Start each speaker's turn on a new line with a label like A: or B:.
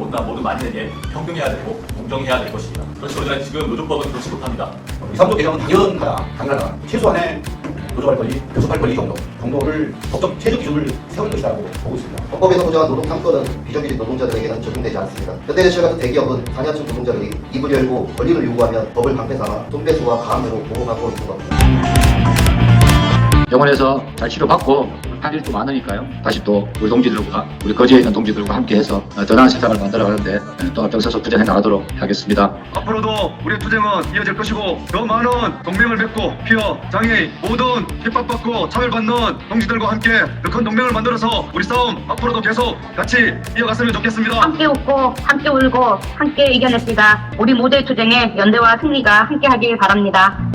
A: 누구나 모든 만인에게 평등해야 되고 공정해야 될 것입니다. 그렇지만 지금 노조법은 그렇지 못합니다.
B: 3조 개정은 당연하다. 최소한의 노조할 권리, 교섭할 권리 정도를 법적 최저 기준을 세울 것이라고 보고 있습니다.
C: 헌법에서 보장한 노동 3권은 비정규직 노동자들에게는 적용되지 않습니다. 현대제철 같은 대기업은 상하층 노동자들이 입을 열고 권리를 요구하면 법을 방패 삼아 손배수와 가함으로 보호하고 있는 겁니다.
D: 병원에서 잘 치료받고 할 일도 많으니까요. 다시 또 우리 동지들과 우리 거제에 있는 동지들과 함께해서 더 나은 세상을 만들어가는데 또 앞장서서 투쟁해 나가도록 하겠습니다.
E: 앞으로도 우리의 투쟁은 이어질 것이고 더 많은 동맹을 맺고 피어 장애인 모든 핍박받고 차별받는 동지들과 함께 더 큰 동맹을 만들어서 우리 싸움 앞으로도 계속 같이 이어갔으면 좋겠습니다.
F: 함께 웃고 함께 울고 함께 이겨냅시다. 우리 모두의 투쟁에 연대와 승리가 함께하길 바랍니다.